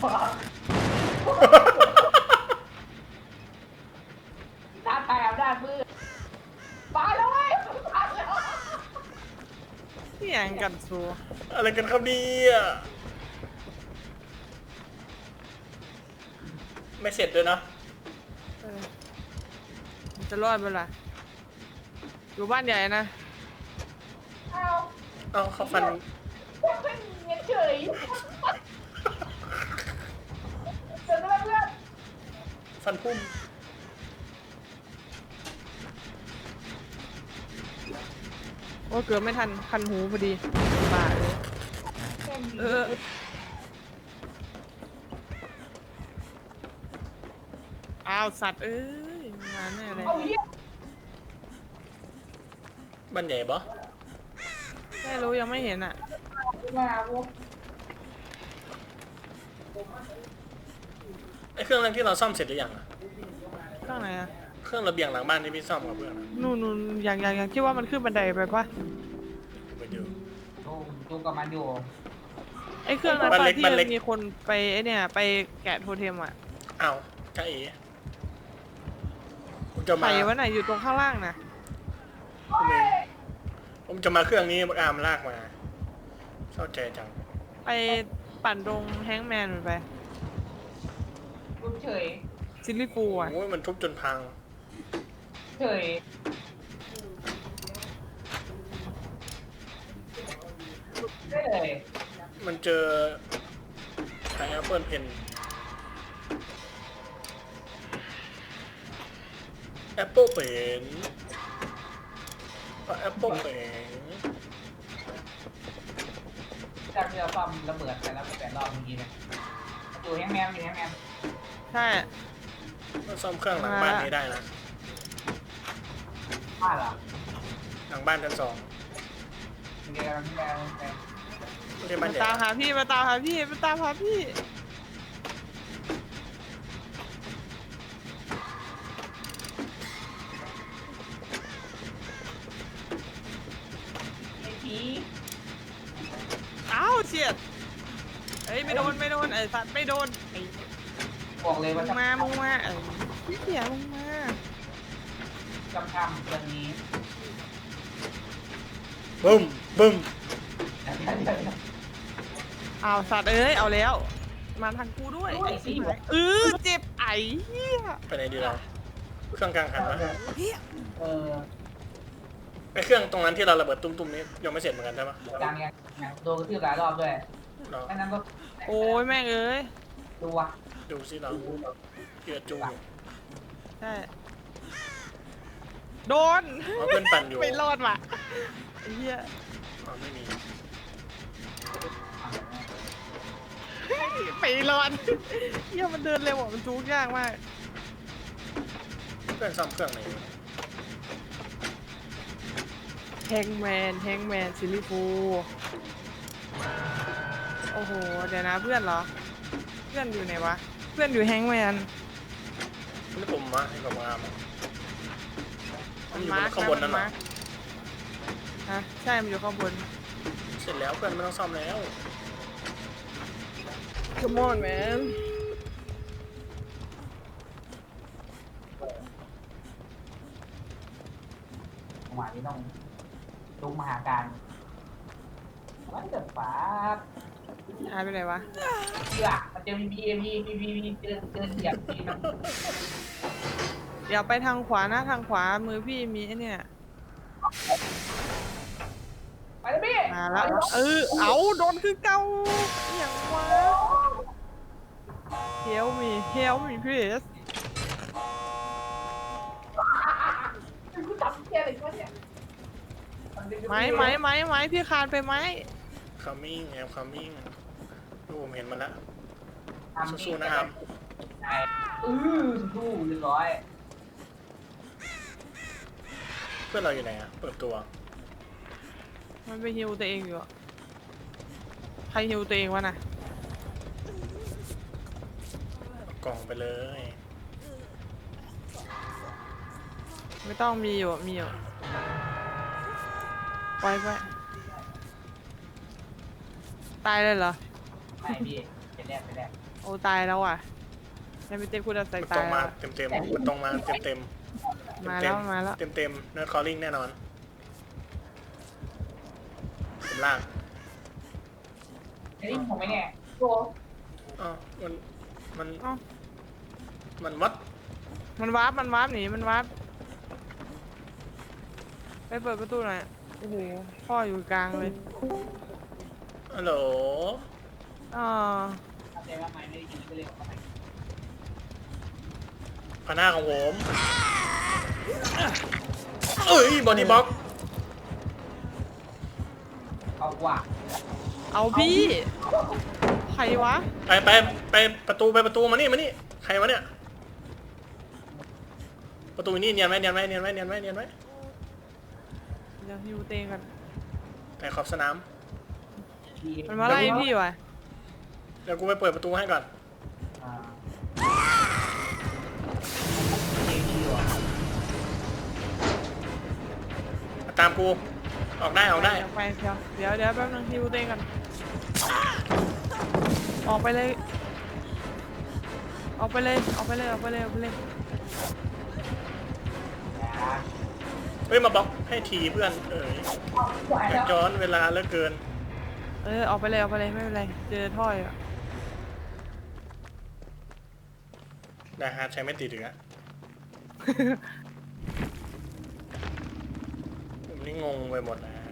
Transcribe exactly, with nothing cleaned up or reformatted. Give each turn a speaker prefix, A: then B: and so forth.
A: ท้าทายอำนาจมืดมาแล้วเว้ยมาแล้ว
B: นี่ยังกันซู
C: อะไรกันครับเนี่ยไม่เสร็จด้วยเนาะ
B: เออมันจะรอดเปล่าอยู่บ้านใหญ่นะ
A: เอา
C: เอ้าเขาฟัน
A: เพื่อนเงี้ยเฉยเดินไปเพื่อน
C: ฟันพุ่ม
B: โอ้เกือบไม่ทันคันหูพอดีบาดเลยเอออ้าวสัตว์เอ้ยมาแน่เลย
A: เอาเหี้ย
C: บ้านใหญ่ปะ
B: ไม่รู้ยังไม่เห็นอ่ะ
A: มาโว้
C: ไอเครื่องนั้นที่เราซ่อมเสร็จหรือยังอะ
B: ข้างไหนอ่ะ
C: เครื่องระเบียงหลังบ้านที่พี่ซ่อมกับเพื่อนอะ
B: นู่นนู่นอย่างอย่างอย่างคิดว่ามันขึ้นบันไดไปปะ
C: ไปดู
A: ดูดูกับมันอยู่
B: ไอ้เครื่องนั้น
C: บ้าน
B: ปะ
C: เล็ก
B: ที่
C: บ้านเล็
B: มั
C: ก
B: นมีคนไปไอ้เนี่ยไปแกะโทเทมอ่ะ
C: อ้าวจ้าเอ๋ผมจะ
B: ใคร
C: มาว
B: ะไหนอยู่ตรงข้างล่างนะ
C: ผมเองผมจะมาเครื่องนี้อามลากมาเข้าใจจัง
B: ไปปั่นตรงแฮงก์แมนมันไป
A: ดูเฉย
B: ซิลลี่ฟูลอ่ะ
C: โอ้ยมันทุบจนพัง
A: เฉยได้เลย
C: มันเจอไอแอปเปิลเพนแอปเปิลเป็นแอปเปิลเป็น
A: จากที่เราซ่อมระเบิดไปแล้วแปดรอบเมื่อกี้เนี่ยอยู่แฮงแมนอยู่แฮงแมน
B: ใช่
C: ก็ซ่อมเครื่องหลังบ้านนี้ได้นะ
A: บ้านเหรอ
C: หลังบ้านชั้นสอง
A: เดี๋ยวแมนแมน
C: ไม่ใช่บ้า
B: มาน
C: ใหญ่
B: ตามหาพี่มาตามหาพี่มาตามหาพี่
A: ไอ้ผี
B: อ้าวเฉียดเอ้ยไม่โดนไม่โดนไอ้สัตว์ไม่โดนไอ้
A: บอกเลย
B: มึ
A: ว่าง จะ
B: มามึงมาไอ้พี่เสียมึงมา
A: จำทำเรื่องนี้
C: บึ้มบึ้ม
A: เดี๋ยวเดี๋ยวเดี๋ยว
B: อ้าวสัตว์เอ้ยเอาแล้ว มาทางกูด้วยไอ้สิเออเจ็บไอ้เหี้ย
C: ไปไหนดีเราเครื่องกลางหันปะ
A: เออ
C: ไอเครื่องตรงนั้นที่เราระเบิดตุ้มๆนี้ยังไม่เสร็จเหมือนกันใช่ปะ
A: กลางยังโดนกระทืบหลายรอบด้วย
C: เรา
A: แค่นั้นก็
B: โอ้ยแม่งเอ้ย
A: ดูวะ
C: ดูสิเราเกือจูอยู่
B: ใช่โดน
C: เอาเพื่อนปั่นอยู่
B: ไม่รอดว่ะไอ้เหี้ย
C: อ๋อไม่มี
B: ไม่รอดเหี้ยมันเดินเร็วอ่ะมันจูงยากมาก
C: เพื่อนซ่อมเครื่องไหนอยู่
B: แฮงแมนแฮงแมนซิลลี่ฟูโอ้โหเดี๋ยวนะเพื่อนเหรอ เพื่อนอยู่ไหนวะ เพื่อนอยู่แฮงแมน
C: นี่ผมมาให้ผมมามันอยู่
B: มาร์ค
C: ข้างบนนั่นเหรอ
B: ฮะใช่มันอยู่ข้างบน
C: เสร็จแล้วเพื่อนไม่ต้องซ่อมแล้ว
B: Come on man
A: จังหวะนี้ต้องดูมหาการวันเดอร์ฟ้า
B: หายไปไหนวะ
A: เชื่อมันจะมีบีเอ็มพีพีพีพีเดินเดินเหยียบทีมัน
B: เดี๋ยวไปทางขวานะทางขวามือพี่มีไอ้เนี่ย
A: ไปเลยพี่
B: มาแล้วเออเอาโดนคือเก่าอหย่างวะ Help me Help me please
A: กูจับเทียอะไรวะเนี่ย
B: ไม้ไม้ไม้ไม้พี่คานไปไหม
C: coming แอม coming ดูผมเห็นมันแล้ว
A: ทำ
C: สู้ๆนะครับ
A: อือสู้เรียบร้อย
C: เพื่อนเราอยู่ไหนอะเปิดตัว
B: มันไปฮิวตัวเองอยู่อะใครฮิวตัวเองวะน่ะ
C: เอากล่องไปเลย
B: ไม่ต้องมีอยู่มีอยู่ปล่อยไปตายเลยเหรอ
A: ไม่พี่ไปแรกไปแรก
B: โอ้ตายแล้วอ่ะยังไม่เต็มคุณจะใส่
C: มัน
B: ตา
C: ตร
B: ย
C: ง
B: แล้
C: มาว เต็มเต็มๆมันตรงมาเต็มเต็ม
B: มาแล้วมาแล้ว
C: เต็มเต็มเนิร์ดคอลลิ่งแน่นอนผมล่าง
A: ไอ้นี่ผมไม่แน่โก
C: อ๋อมันมัน
B: เอ้า
C: มันวัด
B: มันวาร์ปมันวาร์ปหนีมันวาร์ปไปเปิดประตูหน่อยโอ้โหพ่ออยู่กลางเลย
C: ฮัลโหล
B: อ๋อ
A: ทำใจว่าไม่ไม่ได้ยินก็เลยออกมา
C: พน้าของผมเอ้ยบอดี้บล็อก
A: เอากว่า
B: เอาพี่ใครวะ
C: ไปไปไปประตูไปประตูมานี่มานี่ใครวะเนี่ยประตูนี่เนียนไหมเนียนไหมเนียนไหมเนียนไหมเนียนไหม
B: เดี๋ยวฮิวเตงกัน
C: ไปขอบสนาม
A: ดี
B: มันมาไล่พี่วะ
C: เดี๋ยวกูไปเปิดประตูให้ก่อน
A: อ่าเก่งดีว่ะ
C: ตามกูออกได้ออกได้
B: เดี๋ยวไปเดี๋ยวเดี๋ยวเดี๋ยวแป๊บนึงฮิวเตงกันออกไปเลยออกไปเลยออกไปเลยออกไปเลยออกไปเลย
A: อย่า
C: เฮ้ยมาบล็อกให้ทีเพื่อนเอ้ย
A: เอาไหว
C: อยา
A: แล้
C: ก
A: ว
C: ย้อนเวลาเหลือเกิน
B: เออออกไปเลยออกไปเลยไม่เป็นไรเจอท่อยอะ
C: นะฮะใช้ไม่ติดอีกอะผมนี่งงไปหมดแล้ว